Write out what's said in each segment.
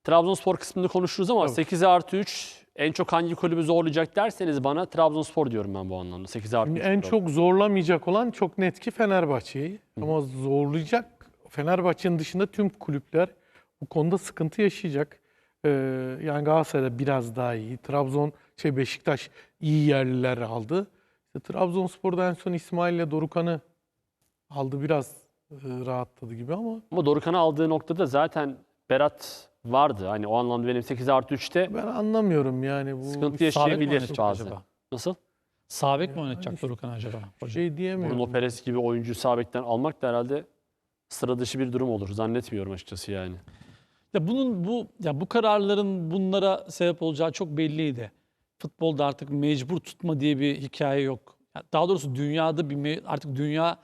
Trabzonspor kısmında konuşuruz ama 8+3 en çok hangi kulübü zorlayacak derseniz bana Trabzonspor diyorum ben bu anlamda. 8+3. En çok zorlamayacak olan çok net ki Fenerbahçe'yi. Ama zorlayacak Fenerbahçe'nin dışında tüm kulüpler bu konuda sıkıntı yaşayacak. Yani Galatasaray'da biraz daha iyi. Beşiktaş iyi yerliler aldı. İşte Trabzonspor'da en son İsmail ile Dorukhan'ı aldı, biraz rahatladı gibi ama. Ama Dorukhan'ı aldığı noktada zaten Berat vardı. Hani o anlamda benim 8+3'te Ben anlamıyorum yani bu sıkıntı yaşayabilir oynatacak bazen. acaba? Nasıl? Sağ bek mi oynatacak Dorukhan acaba? Hocam? şey diyemiyorum. Bruno Perez gibi oyuncuyu sağ bekten almak da herhalde sıra dışı bir durum olur. Zannetmiyorum açıkçası yani. Ya bu kararların bunlara sebep olacağı çok belliydi. Futbolda artık mecbur tutma diye bir hikaye yok. Daha doğrusu dünyada artık dünya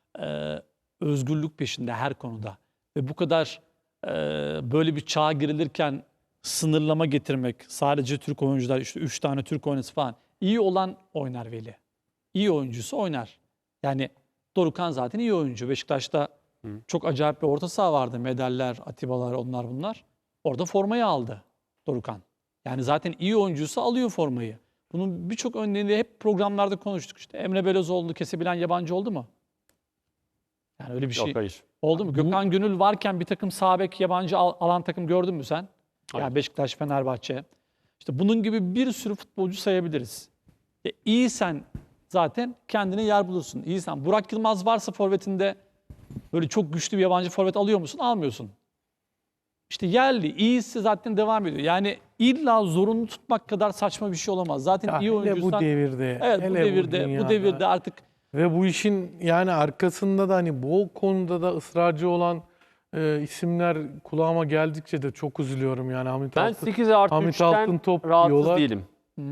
özgürlük peşinde her konuda. Ve bu kadar böyle bir çağa girilirken sınırlama getirmek, sadece Türk oyuncular, işte 3 tane Türk oynası falan. İyi olan oynar Veli. İyi oyuncusu oynar. Yani Dorukhan zaten iyi oyuncu. Beşiktaş'ta çok acayip bir orta saha vardı. Medaller, Atibalar, onlar bunlar. Orada formayı aldı Dorukhan. Yani zaten iyi oyuncusu alıyor formayı. Bunun birçok örneğini hep programlarda konuştuk. İşte Emre Belözoğlu kesebilen yabancı oldu mu? Yani öyle bir şey Yok, hayır. oldu mu? Gökhan Gönül varken bir takım sağ bek yabancı alan takım gördün mü sen? Hayır. Yani Beşiktaş, Fenerbahçe. İşte bunun gibi bir sürü futbolcu sayabiliriz. İyisen zaten kendine yer bulursun. İyisen. Burak Yılmaz varsa forvetinde böyle çok güçlü bir yabancı forvet alıyor musun? Almıyorsun. İşte yerli, iyisi zaten devam ediyor. Yani illa zorunlu tutmak kadar saçma bir şey olamaz. Zaten Ya iyi hele oyuncuysan... bu devirde, Evet, hele bu dünyada. devirde artık... Ve bu işin yani arkasında da hani bu konuda da ısrarcı olan isimler kulağıma geldikçe de çok üzülüyorum yani. Ben 8+3'ten Altıntop rahatsız diyorlar. değilim.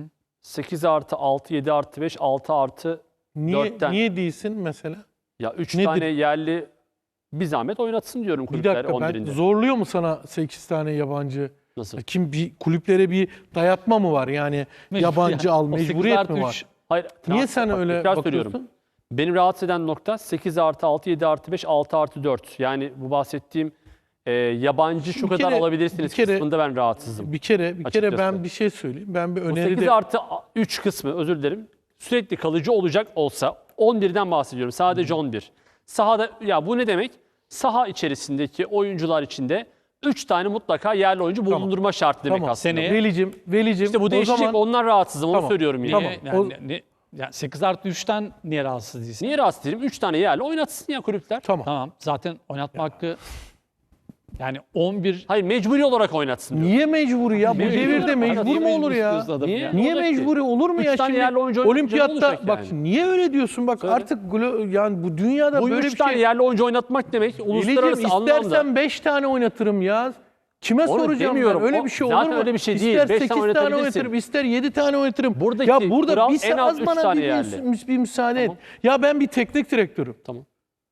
8+6, 7+5, 6+4'ten. Niye değilsin mesela? Ya 3 Nedir? tane yerli bir zahmet oynatsın diyorum Bir kulüpler dakika, 11'inde. zorluyor mu sana 8 tane yabancı? Nasıl? Kulüplere bir dayatma mı var yani? Yabancı al, O mecburiyet mi 8+3 var? Hayır. Niye sen bak, öyle tekrar bakıyorsun? söylüyorum. Beni rahatsız eden nokta 8+6, 7+5, 6+4. Yani bu bahsettiğim yabancı şu Bir kadar kere- alabilirsiniz bir kere- kısmında ben rahatsızım. Bir kere Açıkçası. ben bir şey söyleyeyim. Ben bir Bu öneri de 8+3 kısmı, özür dilerim, sürekli kalıcı olacak olsa 11'den bahsediyorum. Sadece 11. Sahada, ya bu ne demek? Saha içerisindeki oyuncular içinde 3 tane mutlaka yerli oyuncu bulundurma şartı demek Tamam. aslında. Seneye- Velicim İşte bu o değişecek, zaman onlar rahatsızım, onu Tamam. söylüyorum yani. Tamam. Yani 8+3'ten niye rahatsız değilsin? Niye rahatsız değilim? 3 tane yerli oynatsın ya kulüpler. tamam. Tamam. Zaten oynatma hakkı yani 11... Hayır, mecburi olarak oynatsın diyorum. Niye mecburi ya? Bu Mecburi devirde olarak- mecbur Niye mu olur ya? istiyorsun adamı Niye? ya? Niye olacak ki? mecburi olur mu 3 ya tane şimdi? yerli oyuncu oynayınca ne Olimpiyatta olacak bak yani? niye öyle diyorsun? Bak Söyle. artık yani bu dünyada Bu böyle 3 bir tane şey. yerli oyuncu oynatmak demek uluslararası Velicim anlamda. istersen 5 tane oynatırım ya. Kime Onu soracağım demiyorum. ben? Öyle O bir şey olur zaten mu? öyle bir şey değil. İster 5 8 tane tane oynatabilirsin. oynatırım, ister 7 tane oynatırım. Buradaki Ya burada kural bir en az az 3 bana tane bir, yerli. bir müsaade Tamam. et. Ya ben bir teknik direktörüm. Tamam.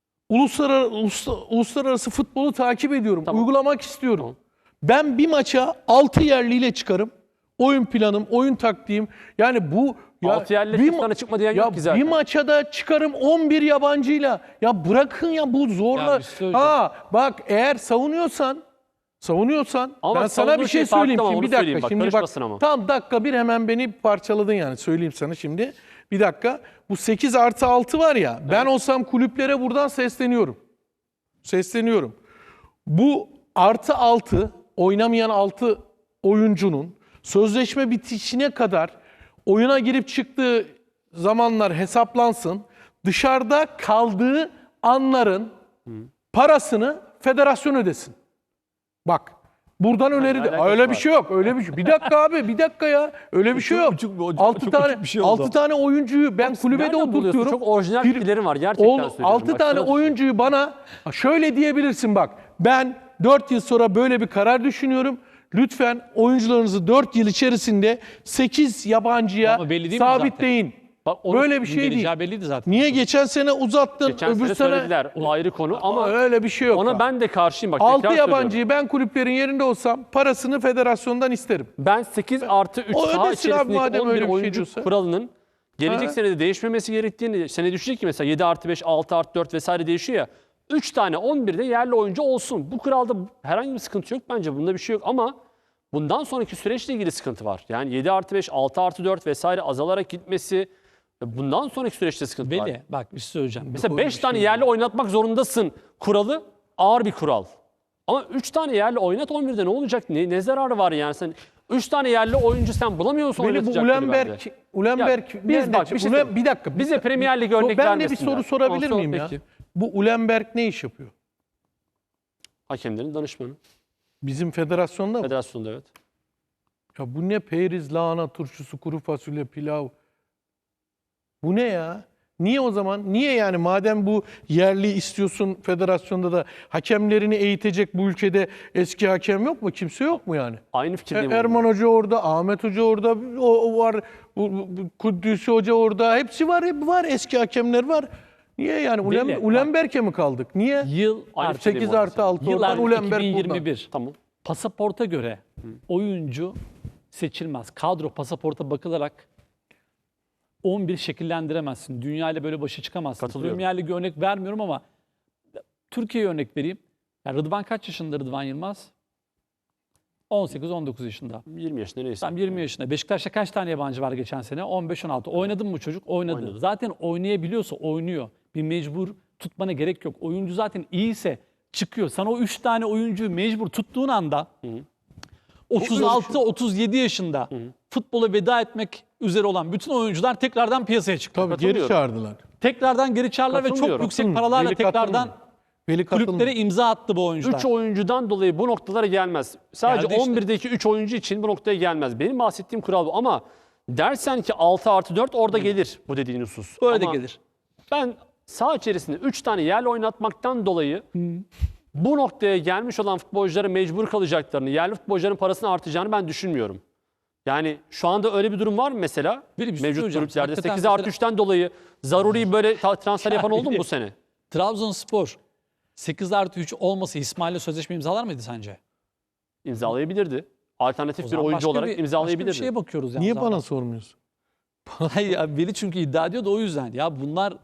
Uluslararası futbolu takip ediyorum. Tamam. Uygulamak istiyorum. Tamam. Ben bir maça 6 yerliyle çıkarım. Oyun planım, oyun taktiğim. Yani bu... 6 yerli bir sana çıkma diyen yok ki zaten. Bir maça da çıkarım 11 yabancıyla. Ya bırakın ya bu zorla. Ya bir şey söyleyeceğim. Bak eğer savunuyorsan Ama ben bak, sana savunduğu bir şey şey farklı söyleyeyim ama şimdi onu bir dakika. söyleyeyim bak, Şimdi bak karışmasın ama. tam dakika bir hemen beni parçaladın yani söyleyeyim sana şimdi. Bir dakika bu 8+6 var ya ben olsam kulüplere buradan sesleniyorum. Bu +6 oynamayan 6 oyuncunun sözleşme bitişine kadar oyuna girip çıktığı zamanlar hesaplansın. Dışarıda kaldığı anların parasını federasyon ödesin. Bak buradan öneri de alakası öyle var? bir şey yok. Öyle bir şey. Bir dakika abi, bir dakika ya. Öyle bir şey yok. 6 tane oyuncuyu ben kulübede Nereden buluyorsun? oturtuyorum. Çok orijinal fikirlerim var gerçekten söylüyorum. 6 Bak, tane sana düşün. oyuncuyu bana şöyle diyebilirsin bak. Ben 4 yıl sonra böyle bir karar düşünüyorum. Lütfen oyuncularınızı 4 yıl içerisinde 8 yabancıya Ama belli değil mi sabitleyin. Bak, onu Böyle bir şey değil. Geleceği belliydi zaten. Niye geçen sene uzattın, geçen öbür sene sene söylediler. O ayrı konu ama öyle bir şey yok. ona bak. ben de karşıyım. Bak, 6 tekrar söylüyorum. yabancıyı ben kulüplerin yerinde olsam parasını federasyondan isterim. Ben 8+3 O saha ödesin abi içerisindeki madem 11 öyle bir şey oyuncu diyorsa. kuralının gelecek Ha? senede değişmemesi gerektiğini, sene düşecek ki mesela 7+5, 6+4 vesaire değişiyor ya. 3 tane 11'de yerli oyuncu olsun. Bu kuralda herhangi bir sıkıntı yok bence. Bunda bir şey yok ama bundan sonraki süreçle ilgili sıkıntı var. Yani 7+5, 6+4 vesaire azalarak gitmesi, bundan sonraki süreçte sıkıntı var. Veli bak bir şey söyleyeceğim. Mesela 5 tane yerli oynatmak zorundasın kuralı ağır bir kural. Ama 3 tane yerli oynat 11'de ne olacak? Ne zararı var yani? Sen 3 tane yerli oyuncu sen bulamıyorsun Böyle bu oynatacak Ulenberg biz bak bir şey bir dakika. bize Premier Lig örnek Ben de bir vermesinler. soru sorabilir Sor miyim ya? peki. Bu Ulenberg ne iş yapıyor? Hakemlerin danışmanı. Bizim federasyonda mı? Federasyonda evet. Ya bu ne periz, lahana turşusu, kuru fasulye, pilav. Bu ne ya? Niye o zaman? Niye yani madem bu yerli istiyorsun federasyonda da hakemlerini eğitecek bu ülkede eski hakem yok mu? Kimse yok mu yani? Aynı fikirdeyim. Erman Hoca orada, Ahmet Hoca orada, o var, Kudüs'ü Hoca orada. Hepsi var, hep var. Eski hakemler var. Niye yani? Değil mi? Ulenberg'e mi kaldık? Niye? Yıl Aynı artık 8 artı 6 yıl oradan, artık Ulenberg buradan. 2021. Tamam. Pasaporta göre oyuncu seçilmez. Kadro pasaporta bakılarak 11 şekillendiremezsin. Dünya ile böyle başa çıkamazsın. Katılıyorum. Premier Lig'e örnek vermiyorum ama Türkiye'ye örnek vereyim. Yani Rıdvan kaç yaşında Rıdvan Yılmaz? 18-19 yaşında. 20 yaşında neyse. Tam 20 yaşında. Beşiktaş'ta kaç tane yabancı var geçen sene? 15-16. Oynadı mı bu çocuk? Oynadı. Oynadı. Zaten oynayabiliyorsa oynuyor. Bir mecbur tutmana gerek yok. Oyuncu zaten iyiyse çıkıyor. Sana o 3 tane oyuncuyu mecbur tuttuğun anda 36-37 yaşında futbola veda etmek üzere olan bütün oyuncular tekrardan piyasaya çıktı. Tabii geri Katılıyorum. çağırdılar. Tekrardan geri çağırdılar ve çok Katılıyorum. yüksek paralarla Veli tekrardan katılmıyor. Veli kulüplere katılmıyor. imza attı bu oyuncular. 3 oyuncudan dolayı bu noktalara gelmez. Sadece Geldi işte. 11'deki 3 oyuncu için bu noktaya gelmez. Benim bahsettiğim kural bu ama dersen ki 6+4 orada gelir bu dediğin husus. Böyle de Ama gelir. ben saha içerisinde 3 tane yerli oynatmaktan dolayı bu noktaya gelmiş olan futbolculara mecbur kalacaklarını, yerli futbolcuların parasını artacağını ben düşünmüyorum. Yani şu anda öyle bir durum var mı mesela? Bir şey Mevcut söyleyeceğim. kulüplerde Hakikaten 8+3'ten dolayı zaruri böyle transfer yapan oldu mu bu sene? Trabzonspor 8+3 olmasa İsmail'le sözleşme imzalar mıydı sence? İmzalayabilirdi. Alternatif O bir zaman oyuncu başka olarak Başka bir imzalayabilirdi. şeye bakıyoruz yani. Niye zaten. bana sormuyorsun? Hayır ya Veli çünkü iddia ediyor da o yüzden. Ya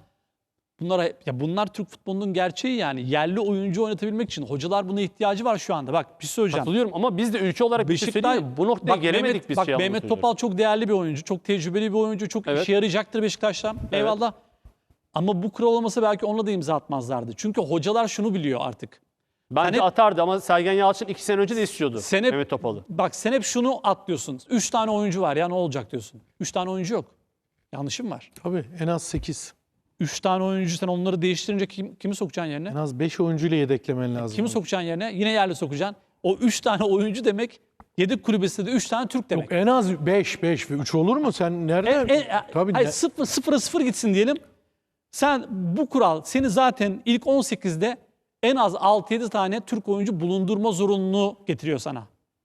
bunlar Türk futbolunun gerçeği yani. Yerli oyuncu oynatabilmek için hocalar buna ihtiyacı var şu anda. Bak bir şey söyleyeceğim. Katılıyorum ama biz de ülke olarak bir şey söyleyeyim mi? Bu noktaya Bak gelemedik Mehmet, biz. bak şey Mehmet anlamda Topal çok değerli bir oyuncu. Çok tecrübeli bir oyuncu. Çok Evet. işe yarayacaktır Beşiktaş'ta. Eyvallah. Ama bu kural olmasa belki onunla da imza atmazlardı. Çünkü hocalar şunu biliyor artık. Bence hep- atardı ama Sergen Yalçın 2 sene önce de istiyordu Sen hep, Mehmet Topal'ı. Bak sen hep şunu atlıyorsun. 3 tane oyuncu var ya ne olacak diyorsun. 3 tane oyuncu yok. Yanlışım var. Tabii en az 8. 3 tane oyuncu sen onları değiştirince kimi sokacaksın yerine? En az 5 oyuncuyla yedeklemen lazım. Kimi sokacaksın yerine? Yine yerli sokacaksın. O 3 tane oyuncu demek yedek kulübesinde de 3 tane Türk demek. Yok, en az 5 ve 3 olur mu? Sen nerede? Tabii Hayır, 0-0 gitsin diyelim. Sen bu kural seni zaten ilk 18'de en az 6-7 tane Türk oyuncu bulundurma zorunluluğu getiriyor sana.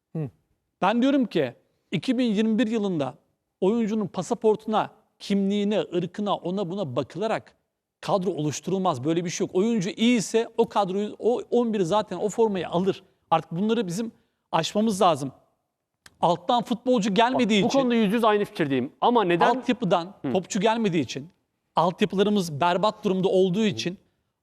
Ben diyorum ki 2021 yılında oyuncunun pasaportuna, kimliğine, ırkına, ona buna bakılarak kadro oluşturulmaz. Böyle bir şey yok. Oyuncu iyi ise o kadroyu, o 11'i zaten o formayı alır. Artık bunları bizim aşmamız lazım. Alttan futbolcu gelmediği Bu için, konuda %100 aynı fikirdeyim. Ama neden? altyapıdan topçu gelmediği için, altyapılarımız berbat durumda olduğu için,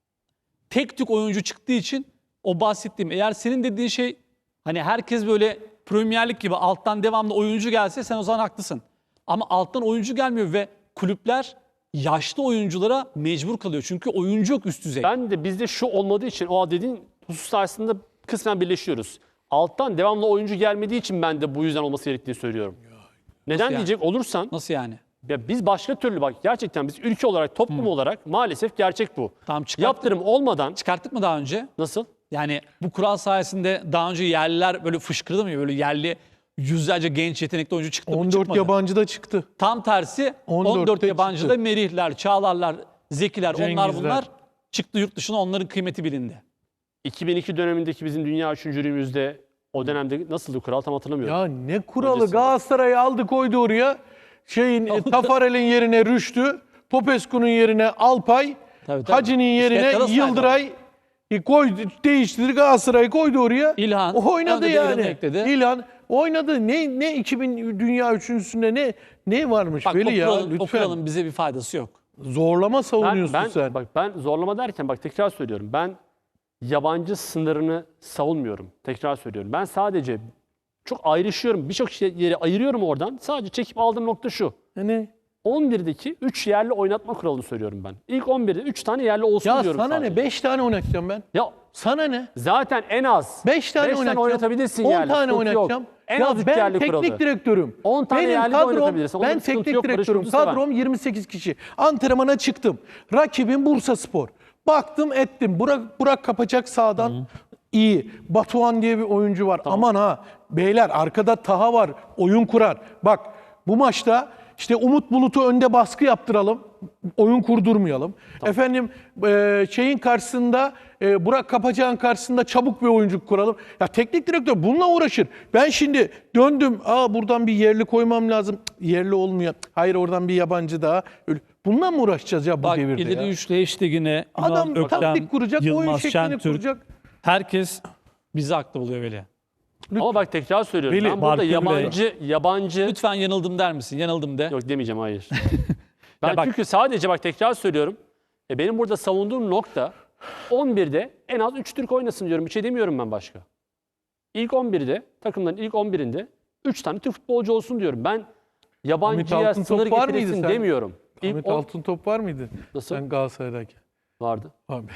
tek tük oyuncu çıktığı için o bahsettiğim, eğer senin dediğin şey hani herkes böyle Premier Lig gibi alttan devamlı oyuncu gelse sen o zaman haklısın. Ama alttan oyuncu gelmiyor ve kulüpler yaşlı oyunculara mecbur kalıyor. Çünkü oyuncu yok üst düzey. Ben de bizde şu olmadığı için o dediğin husus aslında kısmen birleşiyoruz. Alttan devamlı oyuncu gelmediği için ben de bu yüzden olması gerektiğini söylüyorum. Neden yani? diyecek olursan Nasıl yani? ya biz başka türlü bak gerçekten biz ülke olarak toplum olarak maalesef gerçek bu. Tamam, Yaptırım olmadan çıkarttık mı daha önce? nasıl? Yani bu kural sayesinde daha önce yerliler böyle fışkırdı mı? Böyle yerli yüzlerce genç yetenekli oyuncu çıktı mı? 14 Çıkmadı. yabancı da çıktı. Tam tersi 14'te 14 yabancı çıktı. da Merihler, Çağlarlar, Zekiler onlar Cengizler. bunlar çıktı yurt dışına, onların kıymeti bilindi. 2002 dönemindeki bizim dünya üçüncülüğümüzde o dönemde nasıldı kural tam hatırlamıyorum. Ya ne kuralı, Öncesinde. Galatasaray'ı aldı koydu oraya. Tafarel'in yerine Rüştü, Popescu'nun yerine Alpay, Tabii. Hacı'nın yerine İskelet Yıldıray koydu, değiştirdi, Galatasaray'ı koydu oraya. İlhan, O oynadı ön de yani. devrini ekledi. İlhan oynadı. Ne 2000 dünya üçüncüsünde ne varmış Bak Veli ya o lütfen. kuralın bize bir faydası yok. Zorlama savunuyorsun Ben sen. bak ben zorlama derken bak tekrar söylüyorum. Ben yabancı sınırını savunmuyorum. Tekrar söylüyorum. Ben sadece çok ayrışıyorum. Birçok yeri ayırıyorum oradan. Sadece çekip aldığım nokta şu. Ne? 11'deki 3 yerli oynatma kuralını söylüyorum ben. İlk 11'de 3 tane yerli olsun Ya diyorum sana sadece. ne? 5 tane oynatacağım ben. Ya Sana ne? zaten en az 5 tane oynatacağım. oynatabilirsin 10 yerli. tane Sıkıntı yok. oynatacağım. En Ya az 3 ben yerli teknik kuralı. direktörüm. 10 tane Benim yerli de kadrom, oynatabilirsin. Onda ben bir sıkıntı teknik yok. Barış direktörüm. Yıldız da var. Kadrom 28 kişi. Antrenmana çıktım. Rakibim Bursaspor. Baktım ettim. Burak Kapaçak sağdan iyi. Batuhan diye bir oyuncu var. Aman ha. Beyler arkada Taha var. Oyun kurar. Bak bu maçta işte Umut Bulut'u önde baskı yaptıralım. Oyun kurdurmayalım. Efendim şeyin karşısında Burak Kapacak'ın karşısında çabuk bir oyuncu kuralım. Ya teknik direktör bununla uğraşır. Ben şimdi döndüm. Buradan bir yerli koymam lazım. Cık, yerli olmuyor. Hayır oradan bir yabancı daha. Öyle. Bununla mı uğraşacağız ya bu Bak devirde ileri ya? üçlü hashtag'ine Adam Ünal Öktem, taktik kuracak, oyun Yılmaz şeklini Şentürk, kuracak. herkes bizi haklı buluyor Veli. Ama bak tekrar söylüyorum. Veli, Ben burada Barkın yabancı Lütfen yanıldım der misin? Yanıldım de. yok demeyeceğim hayır. Ben Ya bak- çünkü sadece bak tekrar söylüyorum. Benim burada savunduğum nokta 11'de en az 3 Türk oynasın diyorum. Bir şey demiyorum ben başka. İlk 11'de takımların ilk 11'inde 3 tane Türk futbolcu olsun diyorum. Ben yabancıya Ahmet Altıntop sınır var mıydı getirilsin sen? demiyorum. İlk Ahmet 10 Altıntop var mıydı? Nasıl? Sen Galatasaray'dayken. vardı. Abi.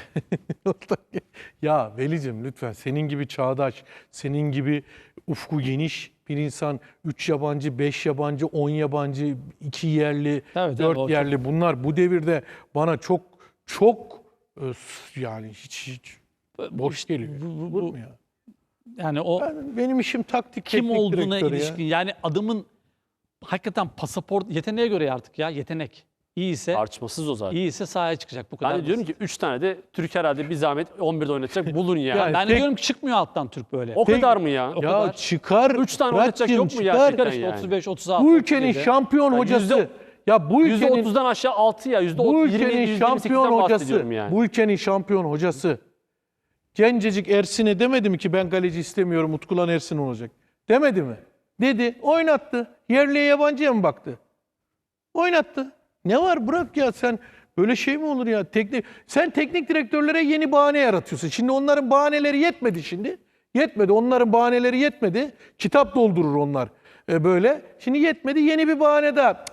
Ya Velicim lütfen senin gibi çağdaş, senin gibi ufku geniş bir insan 3 yabancı, 5 yabancı, 10 yabancı, 2 yerli, Tabii, 4 o çok- yerli bunlar bu devirde bana çok yani hiç boş geliyor. bu- Olur mu ya? Yani o Benim işim taktik kim teknik olduğuna direktörü ya. ilişkin. Yani adamın hakikaten pasaport yeteneğe göre artık ya yetenek. İyiyse Tartışmasız o zaten. iyiyse sahaya çıkacak bu kadar. Ben de diyorum basit. ki 3 tane de Türk herhalde bir zahmet 11'de oynatacak bulun ya. Yani Ben de tek- diyorum ki çıkmıyor alttan Türk böyle. O kadar mı ya? O Ya kadar. çıkar. 3 tane oynatacak Fırat'cığım, yok mu ya? çıkar. Çıkar işte yani. 35 36. Bu ülkenin 37. şampiyon Ya hocası. Ya bu ülkenin %30'dan aşağı 6 ya. Bu %27, ülkenin şampiyon %28'den hocası, bahsediyorum yani. bu ülkenin şampiyon hocası. Gencecik Ersin'e demedi mi ki ben kaleci istemiyorum, Utkulan Ersin olacak? Demedi mi? Dedi, oynattı. Yerliye yabancıya mı baktı? Oynattı. Ne var bırak ya sen böyle şey mi olur ya? Sen teknik direktörlere yeni bahane yaratıyorsun. Şimdi onların bahaneleri yetmedi şimdi. Yetmedi. Onların bahaneleri yetmedi. Kitap doldurur onlar böyle. Şimdi yetmedi. Yeni bir bahane daha.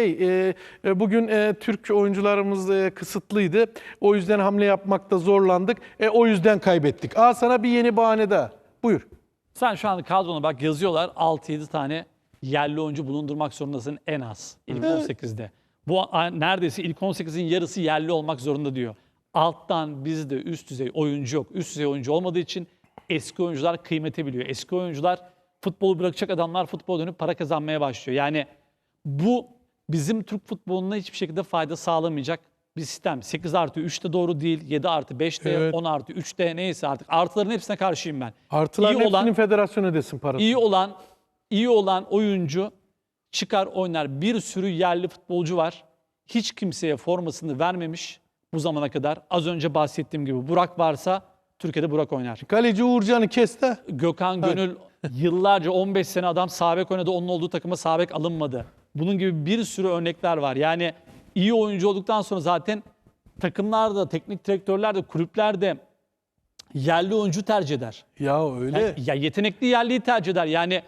Bugün Türk oyuncularımız kısıtlıydı. O yüzden hamle yapmakta zorlandık. O yüzden kaybettik. Sana bir yeni bahane daha. Buyur. Sen şu anda kadrona bak yazıyorlar 6-7 tane yerli oyuncu bulundurmak zorundasın en az ilk 18'de. Bu neredeyse ilk 18'in yarısı yerli olmak zorunda diyor. Alttan bizde üst düzey oyuncu yok. Üst düzey oyuncu olmadığı için eski oyuncular kıymete biliyor. Eski oyuncular futbolu bırakacak adamlar futbola dönüp para kazanmaya başlıyor. Yani bu bizim Türk futboluna hiçbir şekilde fayda sağlamayacak bir sistem. 8 artı 3 de doğru değil. 7 artı 5 de, Evet. 10 artı 3 de neyse artık. Artıların hepsine karşıyım ben. Artıların İyi olan- hepsinin federasyonu ödesin parasını. İyi olan oyuncu çıkar oynar. Bir sürü yerli futbolcu var. Hiç kimseye formasını vermemiş bu zamana kadar. Az önce bahsettiğim gibi Burak varsa Türkiye'de Burak oynar. Kaleci Uğurcan'ı kes de. Gökhan Gönül yıllarca 15 sene adam sağ bek oynadı. Onun olduğu takıma sağ bek alınmadı. Bunun gibi bir sürü örnekler var. Yani iyi oyuncu olduktan sonra zaten takımlarda, teknik direktörler de, kulüpler de yerli oyuncu tercih eder. Ya öyle. Yani, ya yetenekli yerliyi tercih eder. Yani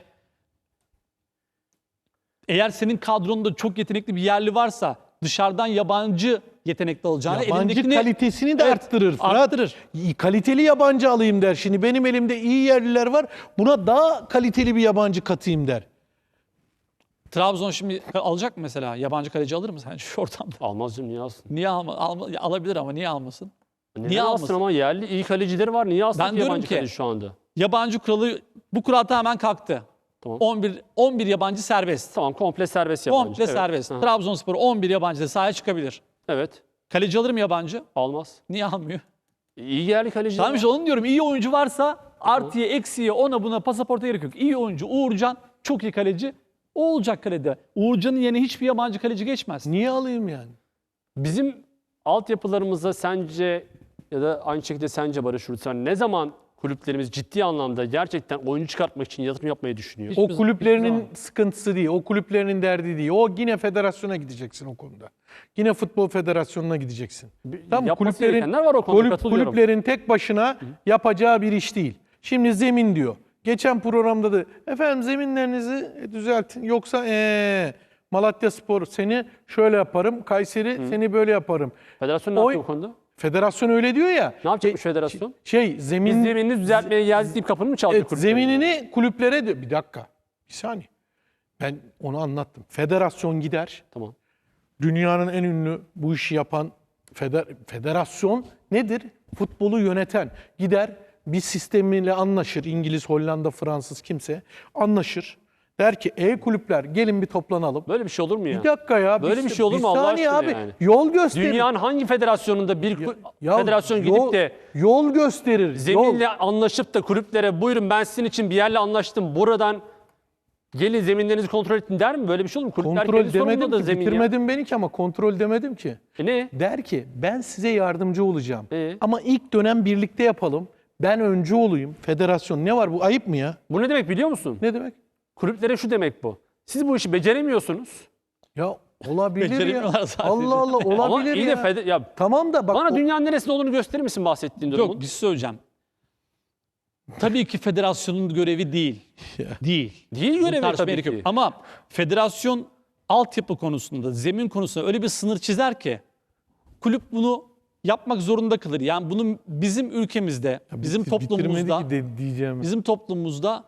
eğer senin kadronda çok yetenekli bir yerli varsa dışarıdan yabancı yetenekli alacağına Yabancı elindekini kalitesini de Evet, arttırır. Fırat. arttırır. Kaliteli yabancı alayım der. Şimdi benim elimde iyi yerliler var. Buna daha kaliteli bir yabancı katayım der. Trabzon şimdi alacak mı mesela? Yabancı kaleci alır mı sence şu ortamda? Almaz canım, niye alsın? Niye alabilir ama niye almasın? Neden Niye alsın almasın? ama yerli iyi kalecileri var. Niye alsın Ben ki diyorum yabancı ki- kaleci şu anda? Yabancı kuralı, bu kural tamamen kalktı. Tamam. 11 yabancı serbest. Tamam, komple serbest yabancı. Komple Evet. serbest. Aha. Trabzonspor 11 yabancı da sahaya çıkabilir. Evet. Kaleci alır mı yabancı? Almaz. Niye almıyor? İyi yerli kaleci. Tamam işte onu diyorum. İyi oyuncu varsa artıya, eksiye, ona buna pasaporta gerek yok. İyi oyuncu Uğurcan çok iyi kaleci. O olacak kalede. Uğurcan'ın yerine hiçbir yabancı kaleci geçmez. Niye alayım yani? Bizim altyapılarımızda sence ya da aynı şekilde sence Barış Hurtsan ne zaman kulüplerimiz ciddi anlamda gerçekten oyuncu çıkartmak için yatırım yapmayı düşünüyor. O Hiçbir kulüplerinin zaman. sıkıntısı değil, o kulüplerinin derdi değil. O yine federasyona gideceksin o konuda. Yine futbol federasyonuna gideceksin. Tamam, Yapması gerekenler var o konuda, katılıyorum. kulüplerin tek başına yapacağı bir iş değil. Şimdi zemin diyor. Geçen programda da efendim zeminlerinizi düzeltin. Yoksa Malatyaspor seni şöyle yaparım, Kayseri seni böyle yaparım. Federasyon ne yapıyor bu konuda? Federasyon öyle diyor ya. Ne yapacakmış federasyon? Şey zemin Biz zeminini düzeltmeye geldik deyip kapını mı çaldı Evet, kulüplerin? zeminini kulüplere diyor. Bir dakika. Bir saniye. Ben onu anlattım. Federasyon gider. Tamam. Dünyanın en ünlü bu işi yapan federasyon nedir? Futbolu yöneten. Gider bir sistemiyle anlaşır. İngiliz, Hollanda, Fransız kimse anlaşır. Der ki kulüpler gelin bir toplanalım. Böyle bir şey olur mu ya? Bir dakika ya. Böyle bir şey olur mu Allah saniye aşkına abi. yani? Yol gösterir. Dünyanın hangi federasyonunda bir Ya federasyon gidip de yol gösterir. Yol. zeminle anlaşıp da kulüplere buyurun ben sizin için bir yerle anlaştım buradan gelin zeminlerinizi kontrol ettin der mi? Böyle bir şey olur mu? Kulüpler Kontrol kendi sorumluluğunda demedim da ki. zemin ya. Bitirmedim beni ki ama kontrol demedim ki. Ne? Der ki ben size yardımcı olacağım. E? Ama ilk dönem birlikte yapalım. Ben öncü olayım. Federasyon ne var bu ayıp mı ya? Bu ne demek biliyor musun? Ne demek? Kulüplere şu demek bu. Siz bu işi beceremiyorsunuz. Ya olabilir ya. Beceremiyorlar sadece. Allah Allah Ama olabilir iyi ya. de ya Tamam da bak bana dünyanın neresinde olduğunu gösterir misin bahsettiğin durumun? Yok bir şey söyleyeceğim. Tabii ki federasyonun görevi değil. Değil. Değil Bunu görevi tartışmaya tabii gerek yok. ki. Ama federasyon altyapı konusunda, zemin konusunda öyle bir sınır çizer ki kulüp bunu yapmak zorunda kalır. Yani bunu bizim ülkemizde, bizim Bitirmedi toplumumuzda, ki diyeceğim. bizim toplumumuzda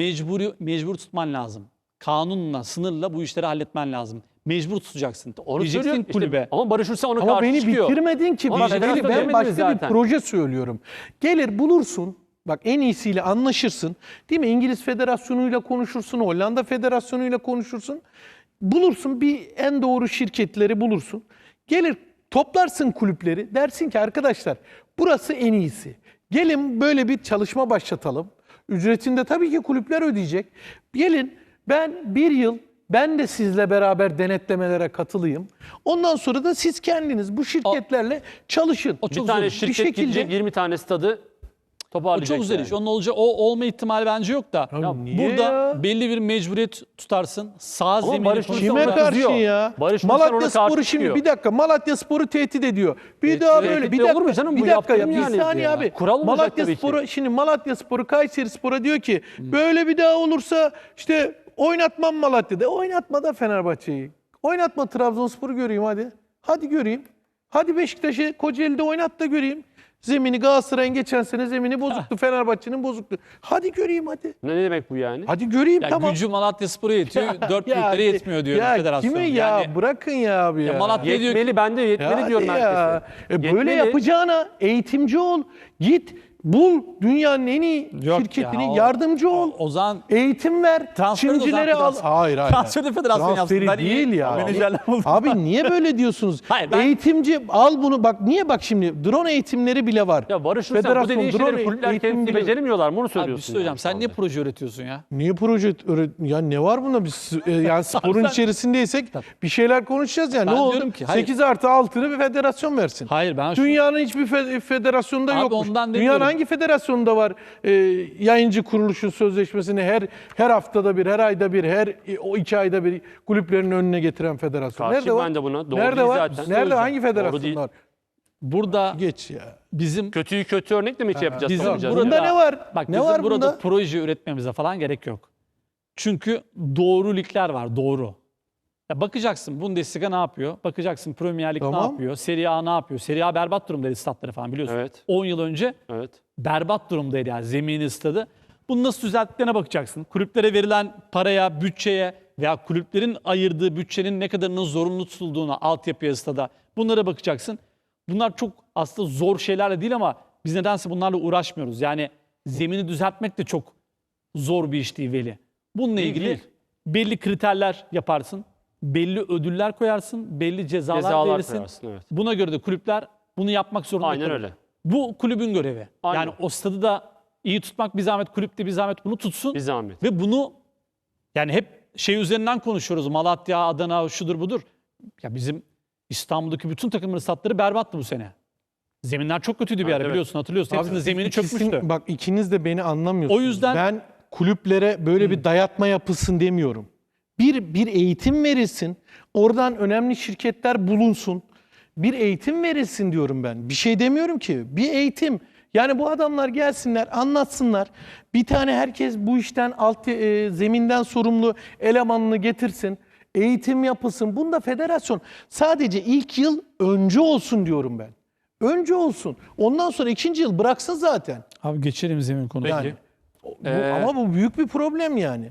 mecbur tutman lazım. Kanunla, sınırla bu işleri halletmen lazım. Mecbur tutacaksın. Onu Diyeceksin söylüyorum işte. kulübe. Ama Barış Hulusi ona Ama karşı beni çıkıyor. bitirmedin ki. Ama Ben federasyon demediniz başka zaten. bir proje söylüyorum. Gelir bulursun. Bak en iyisiyle anlaşırsın. Değil mi? İngiliz Federasyonu'yla konuşursun. Hollanda Federasyonu'yla konuşursun. Bulursun en doğru şirketleri bulursun. Gelir toplarsın kulüpleri. Dersin ki arkadaşlar burası en iyisi. Gelin böyle bir çalışma başlatalım. Ücretini de tabii ki kulüpler ödeyecek. Gelin ben bir yıl ben de sizle beraber denetlemelere katılayım. Ondan sonra da siz kendiniz bu şirketlerle çalışın. O Bir çok tane zor. şirket gidecek 20 tane stadı O toparlayacak. çok güzel yani. iş. Onun olacağı o olma ihtimali bence yok da. Ya niye burada ya? belli bir mecburiyet tutarsın. Sağ zemini Barış Hulusi konusunda- Kime ona karşı kızıyor. ya? Barış Hulusi ona Malatya karşı Sporu şimdi çıkıyor. bir dakika Malatya Sporu tehdit ediyor. Bir daha tehdit böyle bir olur dakika mu canım? bir Bu dakika ya yaptırım bir yani saniye ya. abi. Kural olacak Malatya tabii ki. Sporu şimdi Malatya Sporu Kayseri Spor'a diyor ki böyle bir daha olursa işte oynatmam Malatya'da. Oynatma da Fenerbahçe'yi. Oynatma Trabzonspor'u göreyim hadi. Hadi göreyim. Hadi Beşiktaş'ı Kocaeli'de oynat da göreyim. Zemini Galatasaray'ın geçen sene zemini bozuktu. Fenerbahçe'nin bozuktu. Hadi göreyim hadi. Ne demek bu yani? Hadi göreyim Ya tamam. gücü Malatyaspor'a yetiyor. Dört Ya, büyüklere yetmiyor diyor ya federasyon. Kime ya? Yani Bırakın ya abi ya. Malatya diyor ki Yetmeli ben de yetmeli Ya diyorum hadi ya. herkese. Böyle Yetmeli. yapacağına eğitimci ol. Git bul dünyanın en iyi Yok şirketini ya, yardımcı ol. o zaman Eğitim ver. Transferi de o zaman Çimcileri al. federasyon- Hayır hayır. Transferi federasyon yapsın. Transferi Ben iyi değil ya. menajerler buldum. Abi niye böyle diyorsunuz? Hayır, ben- Eğitimci al bunu bak niye bak şimdi drone eğitimleri bile var. Ya Barış Hulusi bu Federasyon dediğin drone şeyleri kulüpler eğitimi kendisi bile- beceremiyorlar mı onu abi bir söylüyorsun. şey söyleyeceğim. yani Sen şu niye anda. proje üretiyorsun ya? Niye proje ya ne var bunda biz yani sporun içerisindeysek bir şeyler konuşacağız yani. Ben Ne oldu? diyorum ki, hayır. 8+6'ını bir federasyon versin. Hayır ben şu Dünyanın hiçbir federasyonunda Abi yokmuş. ondan Dünyanın demiyorum. hangi federasyonunda var yayıncı kuruluşun sözleşmesini her haftada bir, her ayda bir, o 2 ayda bir kulüplerin önüne getiren federasyon? Karşıyım Nerede var? ben de buna. Doğru Nerede değil var? zaten. Nerede hangi Doğru federasyon değil. var? burada Geç ya. bizim Kötüyü kötü örnekle mi yapacağız? bizim soracağız? burada Bunda ne var? Bak Ne bizim var burada bunda? proje üretmemize falan gerek yok. Çünkü doğru ligler var, doğru. Ya bakacaksın Bundesliga ne yapıyor? Bakacaksın Premier Lig ne Tamam. yapıyor? Serie A ne yapıyor? Serie A berbat durumdaydı statları falan biliyorsun. Evet. 10 yıl önce Evet. berbat durumdaydı yani zemini stadı. Bunu nasıl düzelttiklerine bakacaksın. Kulüplere verilen paraya, bütçeye veya kulüplerin ayırdığı bütçenin ne kadarının zorunlu tutulduğuna, altyapıya, stada bunlara bakacaksın. Bunlar çok aslında zor şeylerle değil ama biz nedense bunlarla uğraşmıyoruz. Yani zemini düzeltmek de çok zor bir iş değil Veli. Bununla Değil, ilgili değil. belli kriterler yaparsın, belli ödüller koyarsın, belli cezalar verirsin. koyarsın, evet. Buna göre de kulüpler bunu yapmak zorunda Aynen kalır. öyle. Bu kulübün görevi. Aynen. Yani o stadı da iyi tutmak bir zahmet, kulüp de bir zahmet bunu tutsun. Bir zahmet. Ve bunu yani hep şey üzerinden konuşuyoruz. Malatya, Adana, şudur budur. Ya bizim İstanbul'daki bütün takımların statları berbattı bu sene. Zeminler çok kötüydü bir ara Evet. biliyorsun, hatırlıyorsun. Hepsinin zemini İkisi- çökmüştü. Bak ikiniz de beni anlamıyorsunuz. O yüzden- ben kulüplere böyle bir dayatma yapılsın demiyorum. Bir eğitim verilsin. Oradan önemli şirketler bulunsun. Bir eğitim verilsin diyorum ben. Bir şey demiyorum ki. Bir eğitim. Yani bu adamlar gelsinler, anlatsınlar. Bir tane herkes bu işten zeminden sorumlu elemanını getirsin. Eğitim yapılsın. Bunda federasyon sadece ilk yıl önce olsun diyorum ben. Önce olsun. Ondan sonra ikinci yıl bıraksın zaten. Abi geçelim zemin konusuna. Yani ama bu büyük bir problem yani.